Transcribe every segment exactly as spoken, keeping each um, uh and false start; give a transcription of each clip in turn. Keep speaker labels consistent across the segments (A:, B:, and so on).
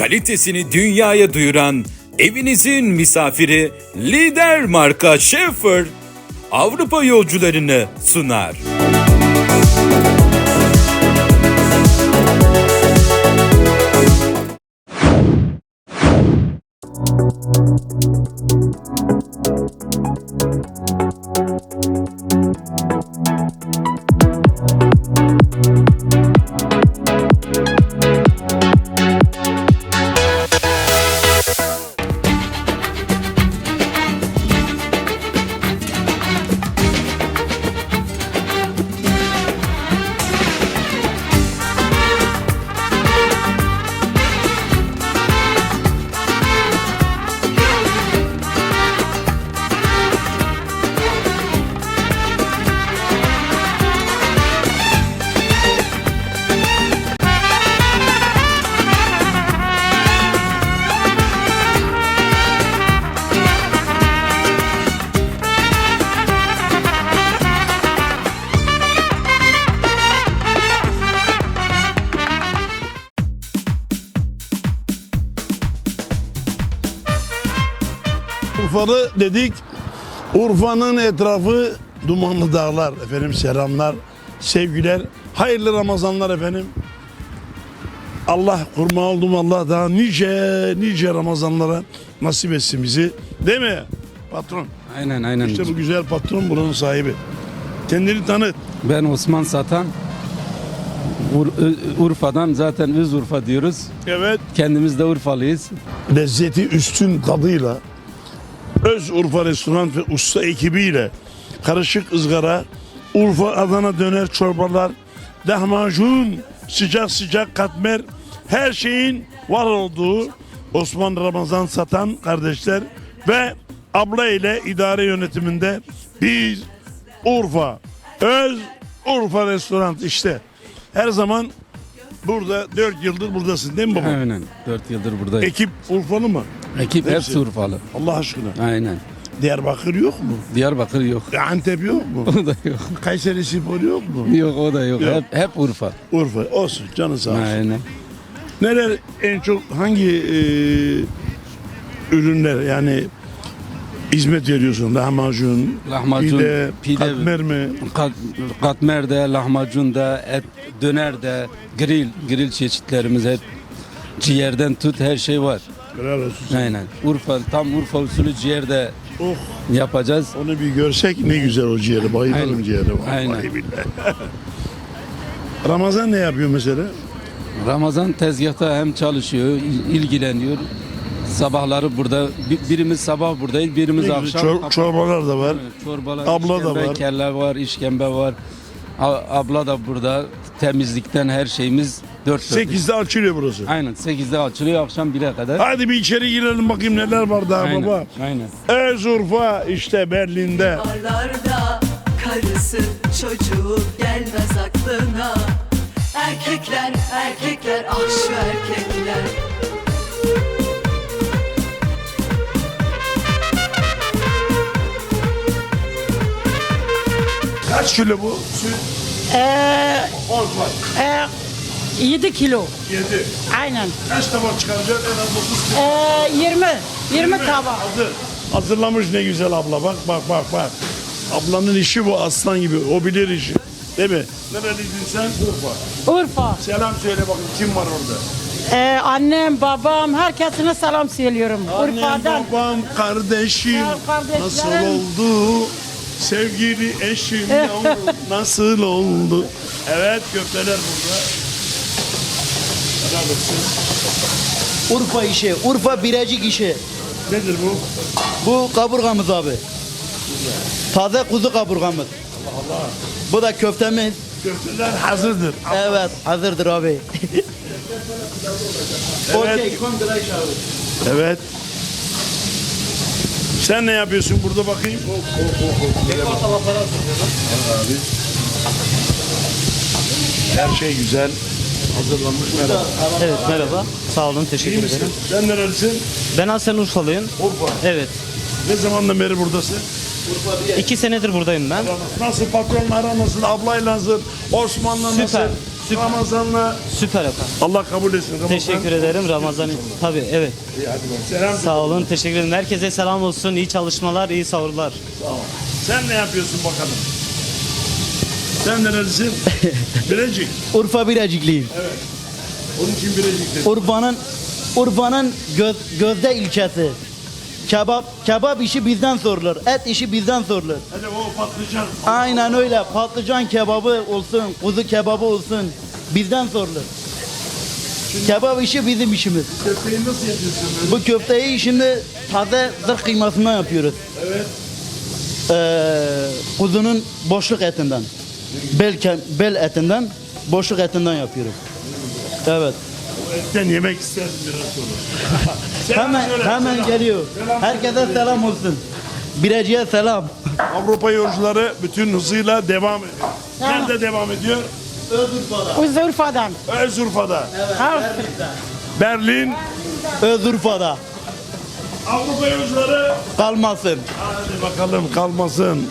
A: kalitesini dünyaya duyuran evinizin misafiri lider marka Schaefer Avrupa yolcularını sunar.
B: Urfalı dedik, Urfa'nın etrafı dumanlı dağlar. Efendim selamlar, sevgiler, hayırlı Ramazanlar efendim. Allah kurma oldum, Allah daha nice nice Ramazanlara nasip etsin bizi. Değil mi patron?
C: Aynen aynen.
B: İşte bu güzel patron buranın sahibi. Kendini tanıt.
C: Ben Osman Satan. Ur- Urfa'dan, zaten Öz Urfa diyoruz.
B: Evet.
C: Kendimiz de Urfalıyız.
B: Lezzeti üstün tadıyla Öz Urfa Restoran ve usta ekibiyle karışık ızgara, Urfa Adana döner çorbalar, lahmacun, sıcak sıcak katmer, her şeyin var olduğu Osman Ramazan Satan kardeşler ve abla ile idare yönetiminde biz Urfa, Öz Urfa Restoran işte her zaman burada dört yıldır buradasın değil mi baba?
C: Aynen. dört yıldır buradayım.
B: Ekip Urfalı mı?
C: Ekip
B: hepsi.
C: hepsi Urfalı.
B: Allah aşkına.
C: Aynen.
B: Diyarbakır yok mu?
C: Diyarbakır yok.
B: Antep yok mu?
C: O da yok.
B: Kayseri Spor yok mu?
C: Yok o da yok.
B: Yok.
C: Hep, hep Urfa.
B: Urfa olsun canı sağ olsun.
C: Aynen.
B: Neler en çok hangi e, ürünler yani hizmet veriyorsun? Lahmacun,
C: Lahmacun,
B: pide,
C: pide,
B: katmer mi?
C: Kat, katmer de, lahmacun da, et, döner de, grill, grill çeşitlerimiz hep ciğerden tut her şey var.
B: Helal olsun sana.
C: Aynen. Urfa, tam Urfa usulü ciğer de
B: Oh,
C: yapacağız.
B: onu bir görsek ne güzel o ciğeri. Bayılırım
C: Aynen.
B: ciğere. Vallahi
C: Aynen.
B: billahi. Ramazan ne yapıyor mesela?
C: Ramazan tezgahta hem çalışıyor, il- ilgileniyor. Sabahları burada, bi- birimiz sabah buradayız, birimiz
B: Ne
C: akşam.
B: güzel, çor- çorbalar da var.
C: Evet, Çorbalar,
B: Abla da
C: işkembe,
B: var.
C: kelle var, işkembe var. A- abla da burada. Temizlikten her şeyimiz dört dörtlük.
B: sekizde açılıyor burası.
C: Aynen sekizde açılıyor, akşam bire kadar.
B: Hadi bir içeri girelim bakayım neler var daha
C: Aynen,
B: baba.
C: aynen.
B: Öz Urfa işte Berlin'de.
D: Barlarda karısı çocuğu gelmez aklına. Erkekler erkekler ah şu erkekler.
B: Kaç kilo bu? Süt
E: Ee,
B: on var.
E: e, yedi kilo.
B: yedi.
E: Aynen.
B: Kaç tabak çıkaracak? En az dokuz kilo.
E: Ee, yirmi. yirmi tabak.
B: Hazır. Hazırlamış ne güzel abla. Bak bak bak bak. Ablanın işi bu aslan gibi. O bilir işi. Değil mi? Nereliydin sen? Urfa.
E: Urfa.
B: Selam söyle bakayım kim var orada?
E: Ee, annem, babam, herkesine selam söylüyorum.
B: Annem,
E: Urfa'dan.
B: babam, kardeşim.
E: Ya kardeşlerim.
B: Nasıl oldu? Sevgili eşim yavrum nasıl oldu? Evet köfteler burada. Helal olsun.
F: Urfa işi, Urfa Birecik işi.
B: Nedir bu?
F: Bu kaburgamız abi. Taze kuzu kaburgamız. Bu da köftemiz.
B: Köfteler hazırdır.
F: Evet, hazırdır abi.
B: Evet.
F: Okey, kondurayş abi.
B: Evet. Sen ne yapıyorsun burada bakayım? Oh, oh, oh, oh. Böyle bak. Abi. Her şey güzel. Hazırlanmış. Merhaba.
G: Evet merhaba. Sağ olun
B: İyi
G: teşekkür
B: misin?
G: ederim.
B: Sen nerelisin?
G: Ben aslen Urfalıyım.
B: Urfa.
G: Evet.
B: Ne zamandan beri buradasın?
G: iki senedir buradayım ben.
B: Nasıl patronla ara nasıl? Ablayla nasıl? Osman'la nasıl?
G: Süper.
B: Ramazan'la
G: Süper efendim.
B: Allah kabul etsin. Ramazan.
G: Teşekkür ederim Ramazan. Tabii evet.
B: İyi, hadi bak. Selam.
G: Sağ olun. Teşekkür ederim. Herkese selam olsun. İyi çalışmalar, iyi sahurlar.
B: Sen ne yapıyorsun bakalım? Sen nerelisin? Bilecik.
F: Urfa Birecikliyim.
B: Onun için Bilecik dedim.
F: Urfa'nın Urfa'nın göz, gözde ilçesi. Kebap kebap işi bizden sorulur. Et işi bizden sorulur.
B: Hadi o patlıcan.
F: Aynen öyle. Patlıcan kebabı olsun, kuzu kebabı olsun bizden sorulur. Kebap işi bizim işimiz.
B: Köfteyi nasıl yapıyorsun böyle?
F: Bu köfteyi şimdi taze zırh kıymasından yapıyoruz.
B: Evet.
F: Ee, kuzunun boşluk etinden. Bel, ke- bel etinden, boşluk etinden yapıyoruz. Evet.
B: O etten yemek isterdim biraz sonra. Selam
F: Hemen
B: söyle,
F: hemen
B: selam.
F: geliyor.
B: Selam
F: Herkese
B: söyle.
F: selam olsun. Birecik'e selam.
B: Avrupa yolcuları bütün hızıyla devam ediyor. Nerede devam ediyor?
F: Özurfa'da.
E: Urfa'dan.
B: Özurfa'da.
E: Ha,
B: Berlin.
F: Özurfa'da.
B: Avrupa yolcuları.
F: Kalmasın.
B: Hadi bakalım kalmasın.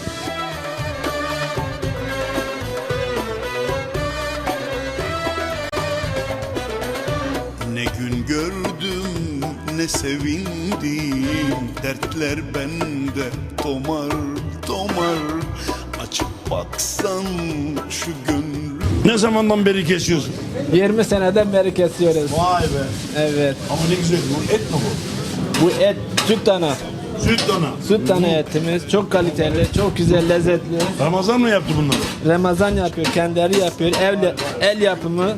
H: Ne gün gördüm ne sevindim, dertler bende tomar tomar. Açıp baksan şu gönlüm.
B: Ne zamandan beri kesiyorsun?
I: yirmi seneden beri kesiyoruz.
B: Vay be.
I: Evet.
B: Ama ne güzel. Bu et mi bu?
I: Bu et süt dana.
B: Süt dana.
I: Süt dana etimiz çok kaliteli, çok güzel, lezzetli.
B: Ramazan mı yaptı bunları?
I: Ramazan yapıyor, kendileri yapıyor. El, el yapımı.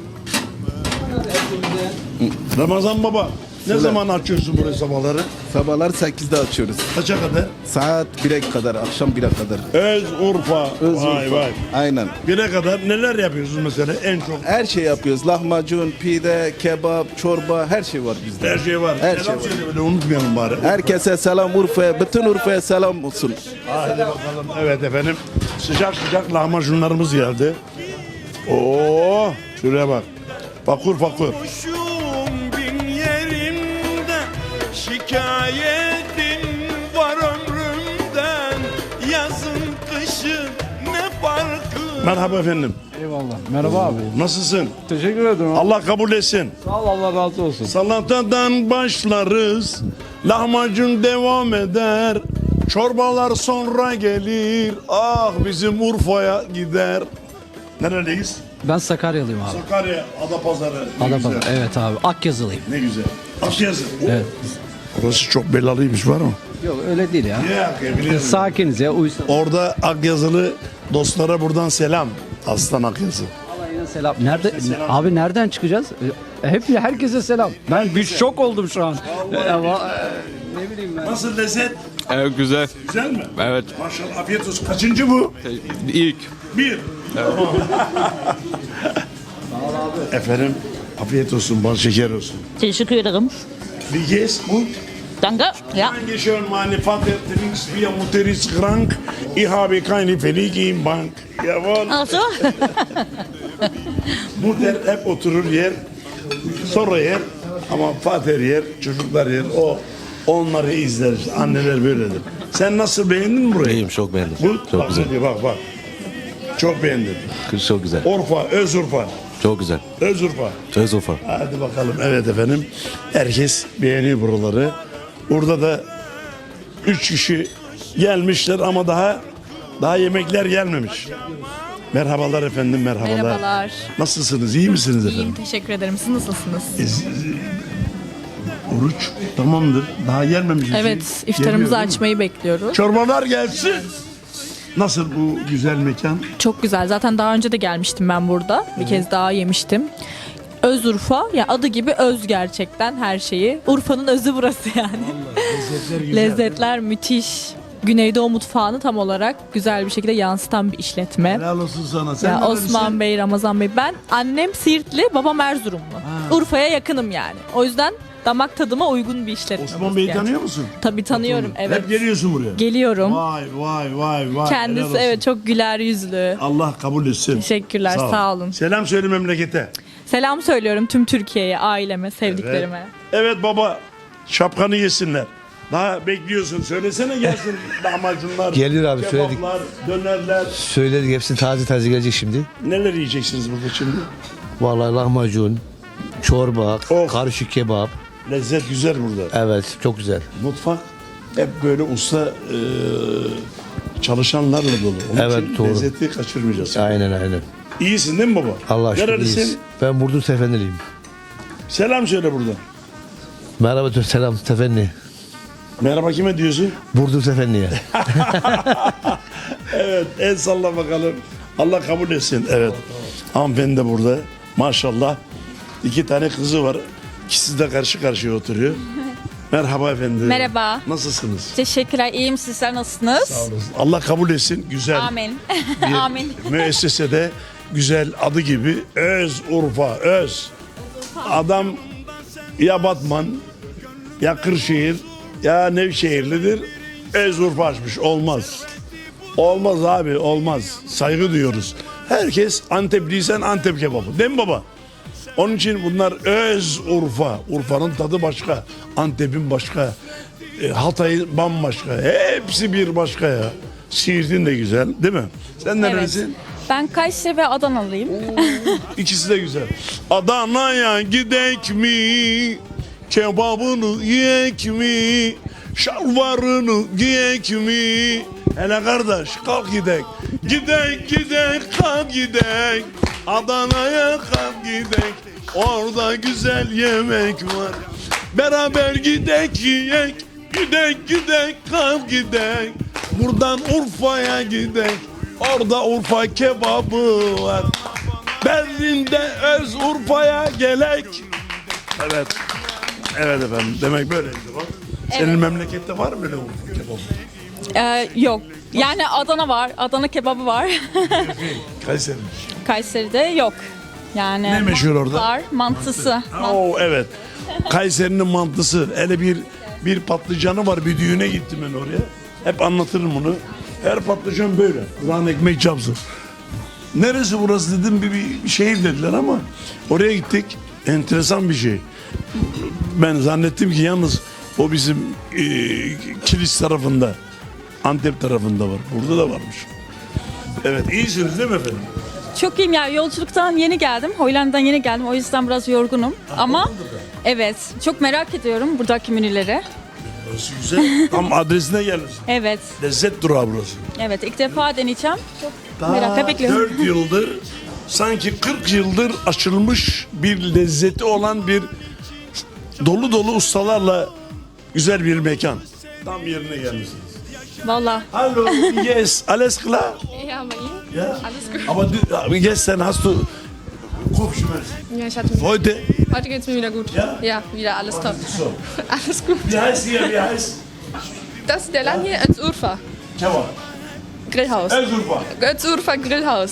B: Ramazan baba. Ne zaman açıyorsun burayı sabahları?
J: Sabahlar sekizde açıyoruz.
B: Kaça kadar?
J: Saat bire kadar, akşam bire kadar.
B: Öz Urfa.
J: Öz
B: Vay
J: Urfa.
B: vay.
J: Aynen.
B: Bire kadar neler yapıyorsunuz mesela en çok?
J: Her şey yapıyoruz. Lahmacun, pide, kebap, çorba, her şey var bizde.
B: Her şey var.
J: Her
B: Selam
J: şey var.
B: söyle böyle unutmayalım bari.
J: Herkese selam Urfa'ya, bütün Urfa'ya selam olsun.
B: Hadi bakalım. Evet efendim. Sıcak sıcak lahmacunlarımız geldi. Oo, şuraya bak. Fakur fakur.
H: Kuşum bin yerimde, şikayetim var ömrümden. Yazın kışın ne farkı?
B: Merhaba efendim.
I: Eyvallah. Merhaba abi.
B: Nasılsın?
I: Teşekkür ederim.
B: Allah kabul etsin.
I: Sağ ol, Allah razı olsun.
B: Salatadan başlarız. Lahmacun devam eder. Çorbalar sonra gelir. Ah bizim Urfa'ya gider. Nereliyiz?
K: Ben Sakaryalıyım abi.
B: Sakarya, Adapazarı. Ne
K: Adapazarı.
B: güzel.
K: Evet abi. Akyazılıyım.
B: Ne güzel. Akyazı.
K: Evet.
B: Orası çok belalıymış var mı?
K: Yok öyle değil ya.
B: Ya, biliyorum.
K: Sakiniz ya. Uysal.
B: Orada Akyazılı dostlara buradan selam. Aslan Akyazı.
K: Alayına selam. Nerede? Abi nereden çıkacağız? E, Hep herkese selam. Ben bir şok oldum şu an. E, va- e, ne bileyim ben.
B: Nasıl lezzet?
L: Evet güzel.
B: Güzel mi?
L: Evet.
B: Maşallah afiyet olsun. Kaçıncı bu?
L: İlk.
B: Bir. Efendim afiyet olsun, bal şeker olsun.
E: teşekkür ederim.
B: Wie geht's? Gut?
E: Danke. Ja.
B: Dankeschön, meine Vater trinkt Bier, Mutter ist krank. Ich habe keine Verlage im Bank. Jawohl.
E: Ach so.
B: Mutter hep oturur yer, sonra yer ama Fatih yer, çocuklar yer. O onları izler. işte. Anneler böyledir. Sen nasıl beğendin mi burayı?
L: İyiyim, çok beğendim.
B: Bu,
L: Çok
B: bak,
L: güzel.
B: hadi Bak bak. Çok beğendim.
L: Kız çok güzel.
B: Urfa, Özurfa.
L: Çok güzel.
B: Özurfa.
L: Söz Urfa.
B: Hadi bakalım. Evet efendim. Herkes beğeniyor buraları. Burada da üç kişi gelmişler ama daha daha yemekler gelmemiş. Merhabalar efendim, merhabalar.
M: Merhabalar.
B: Nasılsınız? İyi misiniz efendim?
M: İyiyim, teşekkür ederim. Siz nasılsınız?
B: Oruç tamamdır. Daha gelmemiş. bir şey.
M: Evet, iftarımızı
B: Geliyor, değil mi?
M: açmayı bekliyoruz.
B: Çorbalar gelsin. Nasıl bu güzel mekan?
M: Çok güzel. Zaten daha önce de gelmiştim ben burada. Bir kez daha yemiştim. Öz Urfa. Ya adı gibi öz gerçekten her şeyi. Urfa'nın özü burası yani.
B: Lezzetler güzel.
M: Lezzetler müthiş. Güneydoğu mutfağını tam olarak güzel bir şekilde yansıtan bir işletme.
B: Helal olsun sana. Sen
M: Ya
B: nerelisin?
M: Osman Bey, Ramazan Bey. Ben annem Siirtli, babam Erzurumlu. Urfa'ya yakınım yani. O yüzden damak tadıma uygun bir işletme.
B: Osman
M: burası
B: Bey'i
M: gerçekten.
B: tanıyor musun?
M: Tabii tanıyorum, evet.
B: Hep geliyorsun buraya.
M: Geliyorum.
B: Vay vay vay vay.
M: Kendisi
B: helal olsun.
M: evet çok güler yüzlü.
B: Allah kabul etsin.
M: Teşekkürler, sağ, olun.
B: Selam söyle memlekete.
M: Selam söylüyorum tüm Türkiye'ye, aileme, sevdiklerime.
B: Evet baba, şapkanı yesinler. Daha bekliyorsun. Söylesene gelsin lahmacunlar.
N: Geliyor abi, söyledik.
B: Kebaplar, dönerler.
N: Söyledik, hepsi taze taze gelecek şimdi.
B: Neler yiyeceksiniz burada şimdi?
N: Vallahi lahmacun, çorba,
B: Of.
N: karışık kebap.
B: Lezzet güzel burada.
N: Evet, çok güzel.
B: Mutfak hep böyle usta e, çalışanlarla dolu. Onun
N: Evet,
B: için
N: doğru.
B: lezzeti kaçırmayacağız.
N: Aynen aynen.
B: İyisin değil mi baba?
N: Allah şükür
B: Nerelisin?
N: iyiyiz. Ben Burdur Sefenliyim.
B: Selam söyle burada.
N: Merhaba, tür- selam Sefenli.
B: Merhaba kime diyorsun?
N: Burdur Sefenli'ye.
B: Evet, el salla bakalım. Allah kabul etsin. Evet. Hanımefendi de burada. Maşallah. İki tane kızı var. İkisi de karşı karşıya oturuyor. Merhaba efendim.
M: Merhaba.
B: Nasılsınız?
M: Teşekkürler. İyiyim. Sizler nasılsınız?
B: Sağ olun. Allah kabul etsin. Güzel.
M: Amin.
B: Bir
M: Amin.
B: müessesede güzel adı gibi Öz Urfa. Öz. Adam ya Batman ya Kırşehir ya Nevşehirlidir. Öz Urfa açmış. Olmaz. Olmaz abi, olmaz. Saygı duyuyoruz. Herkes Antepliysen Antep kebabı. Değil mi baba? Onun için bunlar öz Urfa. Urfa'nın tadı başka. Antep'in başka. E, Hatay'ın bambaşka. Hepsi bir başka ya. Siirt'in de güzel değil mi? Sen nerelisin?
M: Ben Kayseri ve Adanalıyım.
B: İkisi de güzel. Adana'ya gidek mi? Kebabını yiyek mi? Şalvarını giyek mi? Hele kardeş kalk gidek. Gidek gidek kalk gidek. Adana'ya kalk gidek. Orada güzel yemek var. Beraber gidek yiyek. Gidek gidek kalk gidek. Buradan Urfa'ya gidek. Orada Urfa kebabı var. Berlin'de öz Urfa'ya gelek. Evet. Evet efendim. Demek böyleydi bak. Senin
M: Evet.
B: memlekette var mı böyle Urfa kebabı?
M: Ee, yok. Yani Adana var. Adana kebabı var.
B: Kayseri.
M: Kayseri'de yok. Yani
B: Ne meşhur orada?
M: Var. Mantısı.
B: Oo evet. Kayseri'nin mantısı. Hele bir bir patlıcanı var. Bir düğüne gittim ben oraya. Hep anlatırım bunu. Her patlıcan böyle. Kur'an ekmek çapsın. Neresi burası dedim, bir, bir şehir dediler ama oraya gittik. Enteresan bir şey. Ben zannettim ki yalnız o bizim e, Kilis tarafında, Antep tarafında var. Burada da varmış. Evet, iyisiniz değil mi efendim?
M: Çok iyiyim ya. Yolculuktan yeni geldim. Hollanda'dan yeni geldim. O yüzden biraz yorgunum. Ama evet. Çok merak ediyorum buradaki menüleri.
B: Burası güzel. Tam adresine gelirsin.
M: Evet.
B: Lezzet durağı burası.
M: Evet. ilk defa deneyeceğim. Çok
B: Daha
M: merakla bekliyorum.
B: dört yıldır sanki kırk yıldır açılmış bir lezzeti olan bir dolu dolu ustalarla güzel bir mekan. Tam yerine gelmişsiniz.
M: Valla.
B: Hallo, yes, alles klar?
O: Ja, bei Ihnen?
B: Ja.
O: Alles gut?
B: Aber du, gestern hast du Kopfschmerzen.
O: Ja, ich hatte.
B: Heute?
O: Heute geht's mir wieder gut.
B: Ja?
O: Ja, wieder alles top.
B: So.
O: Alles gut.
B: Wie heißt hier, wie heißt?
O: Das ist der Laden hier, Özurfa.
B: Kebab.
O: Grillhaus.
B: Özurfa.
O: Özurfa Grillhaus.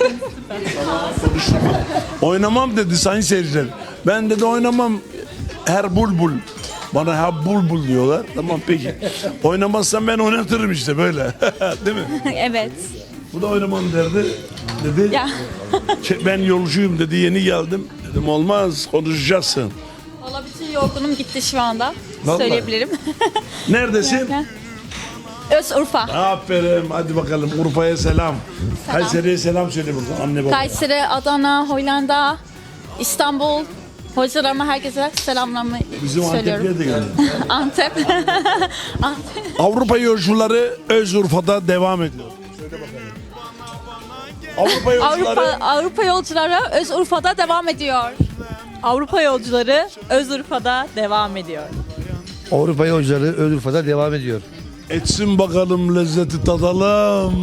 B: Oynamam dedi sayın seyirciler. Ben dedi oynamam her bulbul. Bana her bulbul diyorlar. Tamam peki. Oynamazsam ben oynatırım işte böyle. Değil mi?
M: Evet.
B: Bu da oynamam derdi. Dedi.
M: Ya.
B: "Şey, ben yolcuyum dedi, yeni geldim. Dedim olmaz, konuşacaksın.
M: Valla bütün yorgunum gitti şu anda.
B: Vallahi.
M: Söyleyebilirim.
B: Neredesin?
M: Özurfa.
B: Aferin, hadi bakalım Urfa'ya selam. Kayseri'ye selam söyle burada anne baba.
M: Kayseri, Adana, Hollanda, İstanbul. Hocalarıma herkese selamlarımı
B: Bizim
M: söylüyorum.
B: Antep'liye de geldi.
M: Antep. Antep.
B: Avrupa yolcuları Özurfa'da devam ediyor. Söyle bakalım. Avrupa yolcuları
M: Avrupa, Avrupa yolcuları Özurfa'da devam ediyor. Avrupa yolcuları Özurfa'da devam ediyor.
N: Avrupa yolcuları Özurfa'da devam ediyor.
B: etsin bakalım, lezzeti tadalım.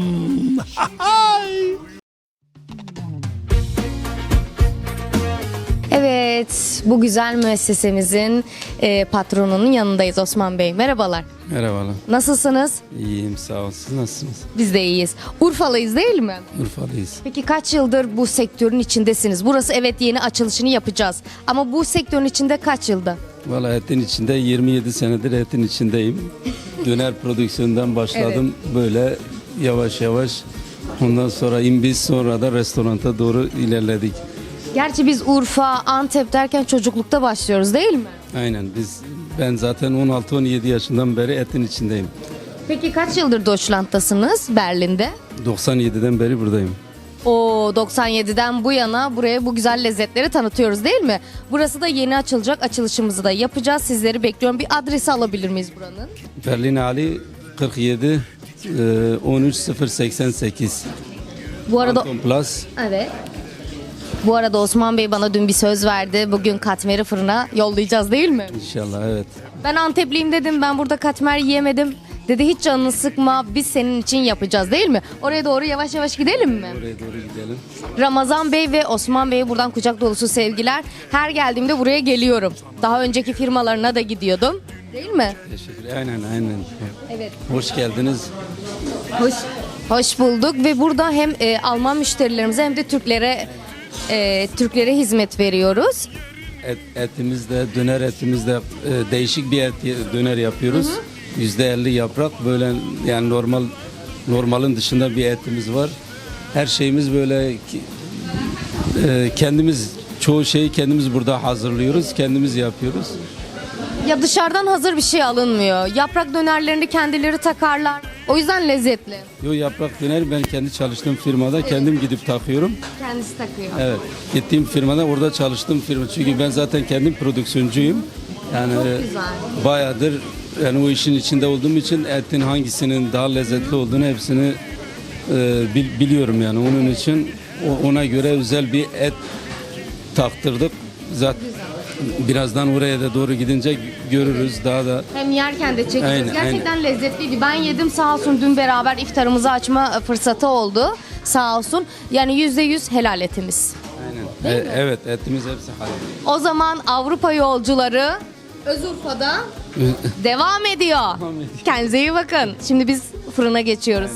P: Evet, bu güzel müessesemizin e, patronunun yanındayız Osman Bey. Merhabalar.
C: Merhabalar.
P: Nasılsınız?
C: İyiyim sağ ol. Siz nasılsınız?
P: Biz de iyiyiz. Urfalıyız değil mi?
C: Urfalıyız.
P: Peki kaç yıldır bu sektörün içindesiniz? Burası evet yeni açılışını yapacağız. Ama bu sektörün içinde kaç yılda?
C: Valla etin içinde yirmi yedi senedir etin içindeyim. Döner prodüksiyonundan başladım. Böyle yavaş yavaş. Ondan sonra imbiz, sonra da restoranta doğru ilerledik.
P: Gerçi biz Urfa, Antep derken çocuklukta başlıyoruz değil mi?
C: Aynen biz ben zaten on altı on yedi yaşından beri etin içindeyim.
P: Peki kaç yıldır Deutschland'tasınız Berlin'de?
C: doksan yediden beri buradayım.
P: O doksan yediden bu yana buraya bu güzel lezzetleri tanıtıyoruz değil mi? Burası da yeni açılacak. Açılışımızı da yapacağız. Sizleri bekliyorum. Bir adresi alabilir miyiz buranın?
C: Berlin Ali kırk yedi e, on üç sıfır seksen sekiz.
P: Bu arada
C: Anton Plus.
P: evet. Bu arada Osman Bey bana dün bir söz verdi. Bugün katmeri fırına yollayacağız değil mi?
C: İnşallah evet.
P: Ben Antepliyim dedim. Ben burada katmer yiyemedim. Dedi hiç canını sıkma. Biz senin için yapacağız değil mi? Oraya doğru yavaş yavaş gidelim mi?
C: Oraya doğru gidelim.
P: Ramazan Bey ve Osman Bey'e buradan kucak dolusu sevgiler. Her geldiğimde buraya geliyorum. Daha önceki firmalarına da gidiyordum. Değil mi?
C: Teşekkür Aynen aynen.
P: Evet.
C: Hoş geldiniz.
P: Hoş, hoş bulduk ve burada hem e, Alman müşterilerimize hem de Türklere e, Türklere hizmet veriyoruz.
C: Et, etimizde, döner etimizde e, değişik bir et döner yapıyoruz. Yüzde elli yaprak böyle yani normal normalin dışında bir etimiz var. Her şeyimiz böyle ki- e, kendimiz çoğu şeyi kendimiz burada hazırlıyoruz, kendimiz yapıyoruz.
P: Ya dışarıdan hazır bir şey alınmıyor. Yaprak dönerlerini kendileri takarlar. O yüzden lezzetli.
C: Yo yaprak döner ben kendi çalıştığım firmada kendim gidip takıyorum.
P: Kendisi takıyor.
C: Evet. Gittiğim firmada orada çalıştığım firma. Çünkü ben zaten kendim prodüksiyoncuyum. Yani
P: Çok
C: e,
P: güzel.
C: bayağıdır yani o işin içinde olduğum için etin hangisinin daha lezzetli olduğunu hepsini e, bil- biliyorum yani. Onun için o- ona göre özel bir et taktırdık. Zaten birazdan oraya da doğru gidince görürüz daha da.
P: Hem yerken de çekeceğiz.
C: Aynen,
P: Gerçekten lezzetliydi. Ben yedim sağ olsun, dün beraber iftarımızı açma fırsatı oldu. Sağ olsun. Yani yüzde yüz helal etimiz.
C: Aynen. E, evet etimiz hepsi halal.
P: O zaman Avrupa yolcuları Özurfa'da devam ediyor. Kendinize iyi bakın. Şimdi biz fırına geçiyoruz.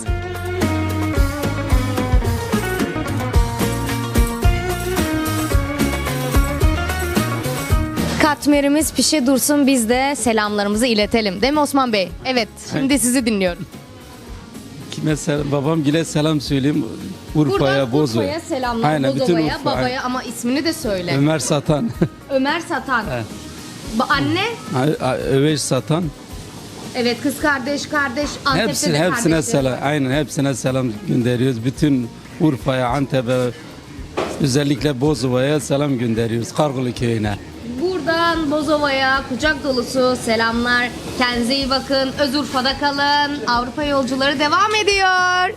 P: Katmerimiz pişe dursun, biz de selamlarımızı iletelim. Değil mi Osman Bey? Evet, şimdi sizi dinliyorum.
C: Kime selam, babam gile selam söyleyeyim. Urfa'ya,
P: Buradan
C: Bozo'ya.
P: Urfa'ya selamlar,
C: Aynen, bütün
P: Bozova'ya,
C: Urfa,
P: babaya
C: aynen.
P: ama ismini de söyle.
C: Ömer Satan.
P: Ömer Satan.
C: Evet.
P: Ba- Anne?
C: Öveş Satan.
P: Evet, kız kardeş, kardeş. Antep'te
C: Hepsine,
P: de
C: hepsine
P: kardeşleri
C: selam.
P: var.
C: Aynen hepsine selam gönderiyoruz. Bütün Urfa'ya, Antep'e, özellikle Bozova'ya selam gönderiyoruz. Kargılı köyüne.
P: Buradan Bozova'ya kucak dolusu selamlar. Kendinize iyi bakın. Özurfa'da kalın. Avrupa yolcuları devam ediyor.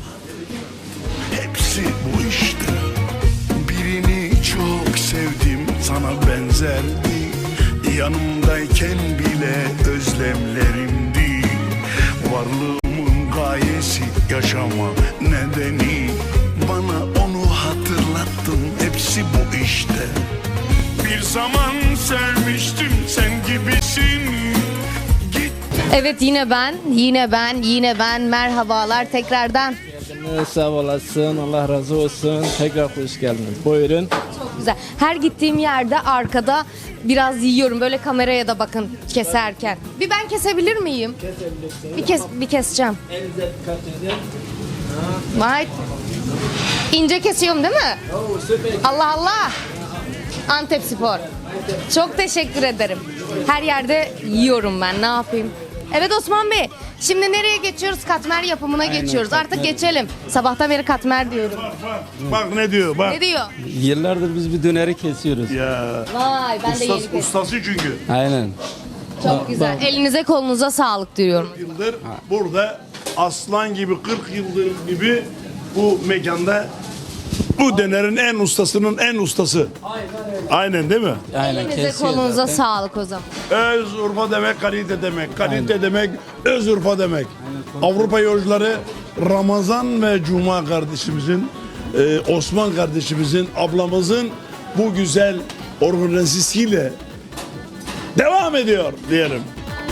H: Hepsi bu işte. Birini çok sevdim, sana benzerdi. Yanımdayken bile özlemlerimdi. Varlığımın gayesi, yaşama nedeni. Bana onu hatırlattın, hepsi bu işte. Bir zaman sevmiştim, sen gibisin.
P: Evet, yine ben, yine ben, yine ben. Merhabalar tekrardan.
I: Sağ olasın. Allah razı olsun. Tekrar hoş geldiniz. Buyurun.
P: Çok güzel. Her gittiğim yerde arkada biraz yiyorum. Böyle kameraya da bakın keserken. Bir ben kesebilir miyim?
I: Kesebilirsin.
P: Bir kes, bir keseceğim.
I: Elinize dikkat edin.
P: Vay. İnce kesiyorum değil mi?
I: Oo, süper.
P: Allah Allah. Antep Spor. Çok teşekkür ederim. Her yerde yiyorum ben. Ne yapayım? Evet Osman Bey. Şimdi nereye geçiyoruz? Katmer yapımına
C: Aynen,
P: geçiyoruz. Artık
C: katmer.
P: geçelim. Sabahtan beri katmer diyorum.
B: Bak ne diyor bak.
P: Ne diyor?
C: Yıllardır biz bir döneri kesiyoruz.
B: Ya.
P: Vay, ben de yeni
B: Ustası,
P: kestim.
B: ustası çünkü.
C: Aynen.
P: Çok güzel. Elinize kolunuza sağlık diyorum.
B: Yıldır burada aslan gibi kırk yıldır gibi bu mekanda bu dönerin en ustasının en ustası. Aynen değil mi?
C: Aynen
P: Elinize
C: kesiyor
P: kolunuza
C: zaten.
P: sağlık o zaman.
B: Öz Urfa demek kalite demek. Kalite demek öz Urfa demek. Avrupa yolcuları Ramazan ve Cuma kardeşimizin, e, Osman kardeşimizin, ablamızın bu güzel organizasyonuyla devam ediyor diyelim.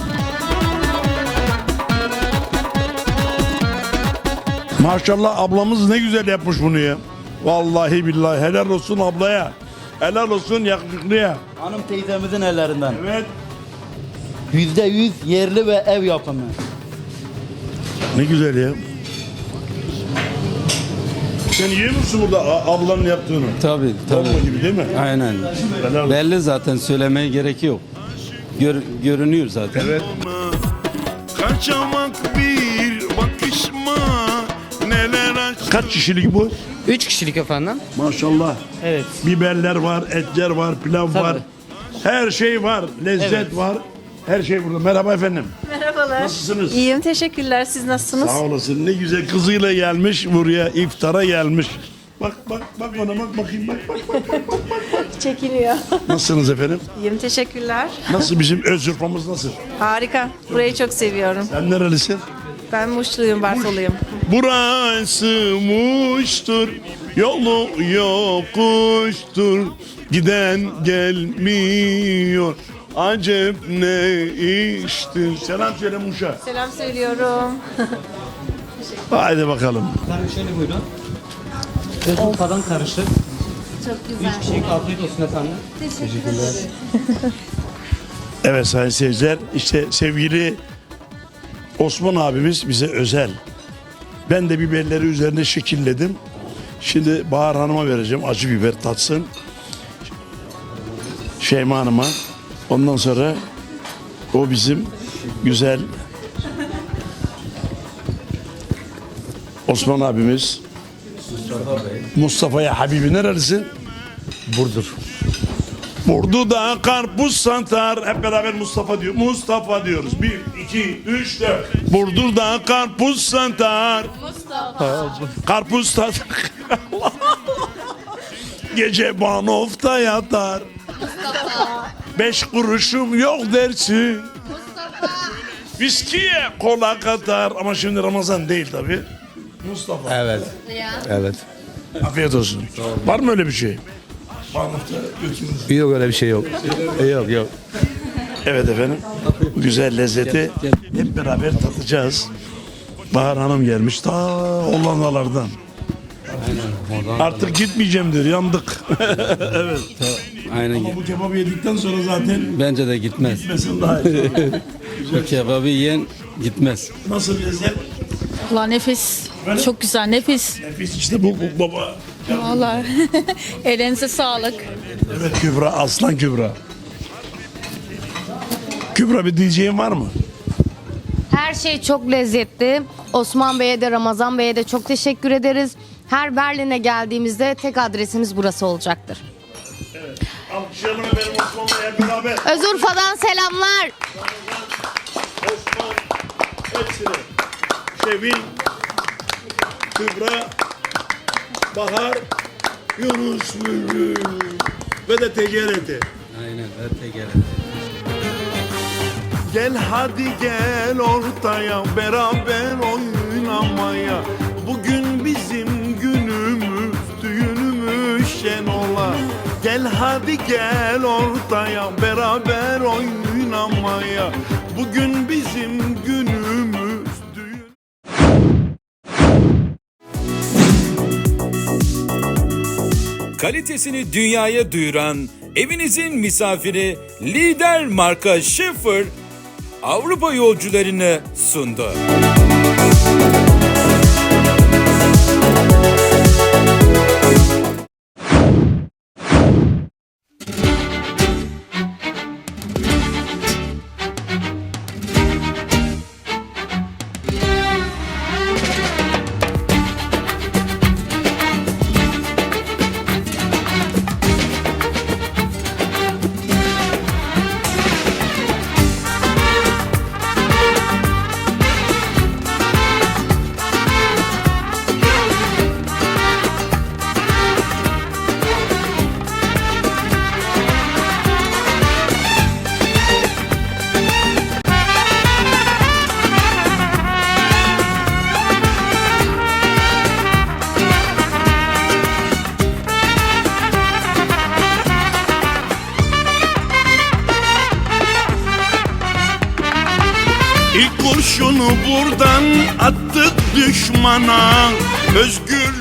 B: Maşallah ablamız ne güzel yapmış bunu ya. Vallahi billahi helal olsun ablaya. Helal olsun yakışıklıya.
F: Hanım teyzemizin ellerinden.
B: Evet.
F: Yüzde yüz yerli ve ev yapımı.
B: Ne güzel ya. Sen yiyor musun burada a- ablanın yaptığını?
C: Tabii tabii.
B: Bomba gibi değil mi?
C: Aynen.
B: Helal olsun.
C: Belli zaten söylemeye gerek yok. Gör, görünüyor zaten.
B: Evet.
H: Kaçamak bir bakışma, neler
B: Kaç kişilik bu?
Q: Üç kişilik efendim.
B: Maşallah.
Q: Evet.
B: Biberler var, etler var, pilav
Q: Tabii.
B: var. Her şey var, lezzet
Q: Evet.
B: var. Her şey burada. Merhaba efendim.
R: Merhabalar.
B: Nasılsınız?
R: İyiyim, teşekkürler. Siz nasılsınız?
B: Sağ olasın. Ne güzel kızıyla gelmiş buraya, iftara gelmiş. Bak bak bak bana bak bakayım bak bak bak. bak, bak, bak.
R: Çekiliyor.
B: Nasılsınız efendim?
R: İyiyim, teşekkürler.
B: Nasıl bizim öz urfamız nasıl?
R: Harika. Burayı çok seviyorum.
B: Sen nerelisin?
R: Ben Muşluyum, Bartoluyum.
B: Burası Muş'tur, yolu yokuştur, giden gelmiyor. Acep ne iştir? Selam söyle Muş'a.
R: Selam söylüyorum.
B: Haydi bakalım.
G: Efendim şöyle buyurun. Özurfa'dan karışık.
R: Çok güzel.
G: Üç kişilik afiyet olsun efendim.
R: Teşekkürler.
B: Evet sayın seyirciler, işte sevgili Osman abimiz bize özel. Ben de biberleri üzerine şekilledim. Şimdi Bahar Hanım'a vereceğim, acı biber tatsın. Şeyma Hanım'a. Ondan sonra o bizim güzel Osman abimiz. Mustafa'ya Habibi nerelisin?
N: Burdur.
B: Burdu'da karpuz satar. Hep beraber Mustafa diyor. Mustafa diyoruz. Bir, iki, üç, dört. Burdur'da karpuz satar.
R: Mustafa.
B: Karpuz satar. Gece Banof'ta yatar. Beş kuruşum yok dersin. Viskiye kola katar. Ama şimdi Ramazan değil tabi. Mustafa.
N: Evet. Evet.
B: Afiyet olsun. Var mı öyle bir şey? Banof'ta götürürüz.
N: Yok öyle bir şey yok. yok yok.
B: Evet efendim. Bu güzel lezzeti hep beraber tatacağız. Bahar Hanım gelmiş ta Hollandalardan. Artık gitmeyeceğim diyor. Yandık. Evet.
C: Aynen.
B: Ama bu kebabı yedikten sonra zaten
C: Bence de gitmez.
B: gitmesin daha iyi.
C: Bu kebabı yiyen gitmez.
B: Nasıl lezzet?
M: Valla nefis. Çok güzel, nefis.
B: Nefis işte bu, bu baba.
M: Vallahi. Elinize sağlık.
B: Evet Kübra, Aslan Kübra. Kübra bir diyeceğin var mı?
P: Her şey çok lezzetli. Osman Bey'e de Ramazan Bey'e de çok teşekkür ederiz. Her Berlin'e geldiğimizde tek adresimiz burası olacaktır.
B: Evet. Alkışlayalım efendim Osman'la hep beraber.
P: Özurfa'dan selamlar.
B: Osman, hepsine. Şevin, Kübra, Bahar, Yunus Bülbül ve de T C R T.
C: Aynen. Evet, gel.
H: Gel hadi gel ortaya beraber oynamaya. Bugün bizim günümüz, düğünümüz şen ola. Gel hadi gel ortaya beraber oynamaya. Bugün bizim günümüz, düğün.
A: Kalitesini dünyaya duyuran evinizin misafiri lider marka Schäfer Avrupa yolcularını sundu.
H: İlk kurşunu buradan attık düşmana. Özgür